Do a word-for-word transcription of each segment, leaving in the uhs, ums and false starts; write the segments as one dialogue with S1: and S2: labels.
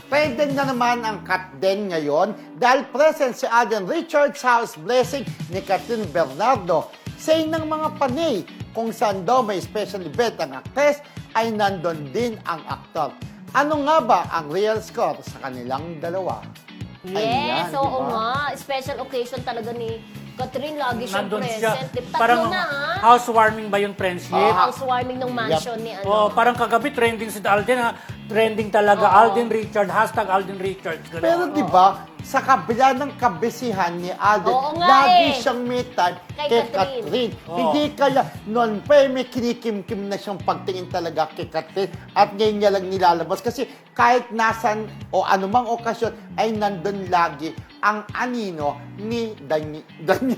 S1: Trending na naman ang Kat Den ngayon dahil present si Alden Richards sa house blessing ni Catherine Bernardo. Say ng mga panay kung saan daw may special event ang actress ay nandun din ang aktor. Ano nga ba ang real score sa kanilang dalawa?
S2: Yes,
S1: Ayan,
S2: oo
S1: diba?
S2: nga. Special occasion talaga ni Catherine. Lagi siyang
S3: Nandun
S2: present.
S3: siya.
S2: Tatlo
S3: Parang
S2: na, ha?
S3: housewarming ba yung friendship?
S1: Ah.
S2: Housewarming ng mansion ni ano.
S3: Oh, parang kagabi trending si Alden ha. Trending talaga.
S2: Oo.
S3: Alden Richard, hashtag Alden Richards. Ganun.
S1: Pero di ba, sa kabila ng kabisihan ni Alden,
S2: Oo nga
S1: lagi
S2: eh.
S1: siyang may time
S2: Kay
S1: kay
S2: Catherine.
S1: Catherine.
S3: Oo.
S1: Hindi kaya, noon pa eh, may kinikim-kim na siyang pagtingin talaga kay Catherine at ngayon niya lang nilalabas. Kasi kahit nasan o anumang okasyon ay nandun lagi ang anino ni Dani, Dani,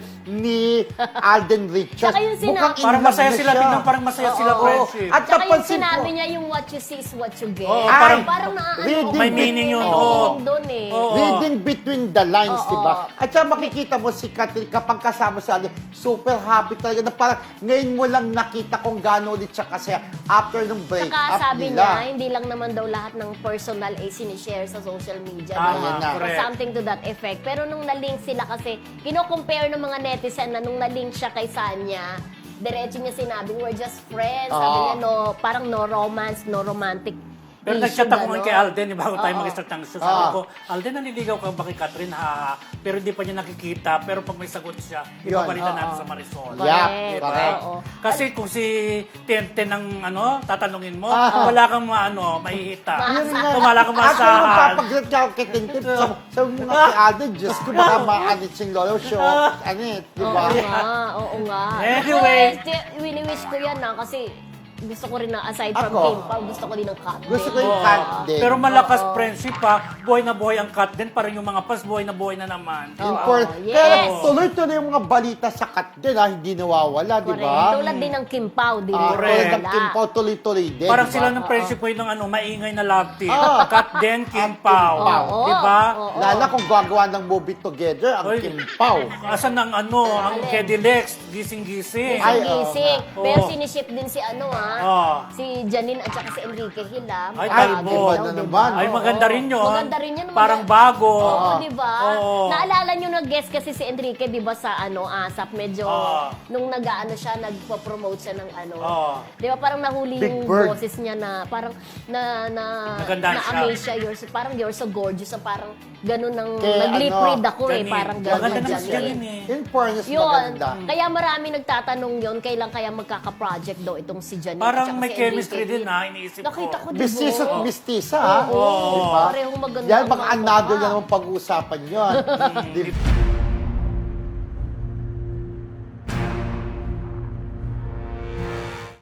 S1: ni Alden Richards.
S2: Tsaka yung sina-
S1: Mukhang in
S3: Parang
S1: love
S3: masaya
S1: na
S3: sila,
S1: siya.
S3: tingnan parang masaya sila
S1: Oo.
S3: friendship.
S1: At
S2: Tsaka yung
S1: napansin
S2: sinabi
S1: ko,
S2: niya, yung what you see is what you get.
S3: Oo,
S2: Ay,
S3: parang-
S2: parang naaano
S1: Reading
S2: ko.
S3: May meaning yun,
S2: May
S3: oo.
S2: meaning doon eh.
S3: Oo.
S1: reading between the lines,
S2: Oo.
S1: di ba? At saka makikita mo si Catherine kapag kasama sa Alden, super happy talaga na parang ngayon mo lang nakita kung gaano ulit siya kasi after ng break
S2: Saka
S1: up
S2: sabi
S1: nila.
S2: niya, hindi lang naman daw lahat ng personal ay sinishare sa social media.
S3: Tama,
S2: di ba?
S1: na.
S2: Or
S3: correct.
S2: something to that effect. Pero nung na-link sila kasi, kino-compare ng mga netizen na nung na-link siya kay Sanya, diretso niya sinabi, we're just friends. Sabi
S1: Oo.
S2: niya, no, parang no romance, no romantic
S3: Pero
S2: issue,
S3: nag-chat ako
S2: gano'n.
S3: kay Alden, eh, bago tayo
S2: Oo.
S3: mag-start ng show. Sabi
S1: Oo.
S3: ko, Alden, naniligaw ka ba kay Catherine? Ha, pero hindi pa niya nakikita. Pero pag may sagot siya,
S1: Yun.
S3: ibabalitan natin
S2: Oo.
S3: sa Marisol.
S1: Yeah,
S2: Correct.
S1: correct.
S2: Oo.
S3: Kasi kung si Tente ng ano, tatanungin mo,
S1: Ah.
S3: wala kang maano, mahihita.
S1: Yun nga.
S3: Kung wala kang
S1: Actually,
S3: masahan.
S1: magpapagrad ka ako kay Tintip. Sa, sa mga kay Alden, Diyos ko, baka maalit siyang lolo show. Ano eh, di ba?
S2: Oo nga, oo nga.
S3: Anyway.
S2: Ako, eh, wini-wish ko yan na kasi gusto ko rin na aside from
S1: Ako.
S2: Kim Pao, gusto ko din ng Kat.
S1: Gusto ko
S2: din.
S1: yung
S3: Oo.
S1: Kat din.
S3: Pero malakas
S2: Oo.
S3: friendship pa, buhay na buhay ang Kat din, parang yung mga pas, buhay na buhay na naman.
S2: Oo.
S1: Import-
S2: yes.
S1: Pero tuloy-tuloy yung mga balita sa Kat din, ha? Hindi nawawala, di
S2: Correct.
S1: ba?
S2: Tulad din ng Kim Pao, di
S1: Ah,
S2: rin
S1: tulad ng
S2: wala.
S1: Kim Pao, tuloy-tuloy din.
S3: Parang
S1: di ba?
S3: sila ng friendship ko yung ano, maingay na love team.
S1: Ah.
S3: Kat din, Kim
S1: Kim
S3: Pao.
S1: Pao.
S2: Oo.
S3: Di ba?
S2: Oo.
S1: Lala kung gagawa ng movie together, ang
S3: Oy,
S1: Kim Pao.
S3: Asan ang ano, ang
S2: Alin?
S3: Kedilex, gising-gising.
S1: Ay,
S2: Gising.
S1: oo.
S2: Pero
S3: Oo.
S2: siniship din si ano ah,
S3: Oo.
S2: si Janine at saka si Enrique Hila.
S3: Ay,
S1: Ay,
S3: talbo.
S1: iba na naman.
S3: Ay, maganda rin yun.
S2: Maganda rin yun.
S3: Parang bago.
S2: Oo, di ba?
S3: Oo.
S2: Naalala nyo nag-guest kasi si Enrique, di ba, sa ano, ASAP, medyo,
S3: Oo.
S2: nung nag-ano siya, nagpo-promote siya ng ano.
S3: Oo.
S2: Di ba, parang nahuli
S1: Big
S2: yung
S1: Bird.
S2: boses niya na, parang, na, na,
S3: Naganda
S2: na-amaze
S3: siya.
S2: siya. You're so, parang, you're so gorgeous. So, parang, ganun ng,
S1: Kay
S2: nag-lip
S1: ano,
S2: read ako eh.
S3: Janine.
S2: Parang
S1: Janine.
S2: ganun.
S3: Maganda naman si
S2: Janine.
S3: Janine eh.
S1: In fairness,
S2: Yun.
S1: maganda.
S2: Kaya marami nagtatanong yun, kailan kaya magkaka-project daw itong si Janine
S3: Parang
S2: at saka
S3: may
S2: si
S3: chemistry
S2: Enrique.
S3: din ha, iniisip ko.
S2: Nakita ko, di ba?
S1: Mestizo at mestiza, ha?
S2: Oo.
S1: Di ba?
S2: Parehong maganda
S1: Yan,
S2: ang
S1: baka
S2: mga
S1: another
S2: mukha.
S1: na naman pag-uusapan yun. Di-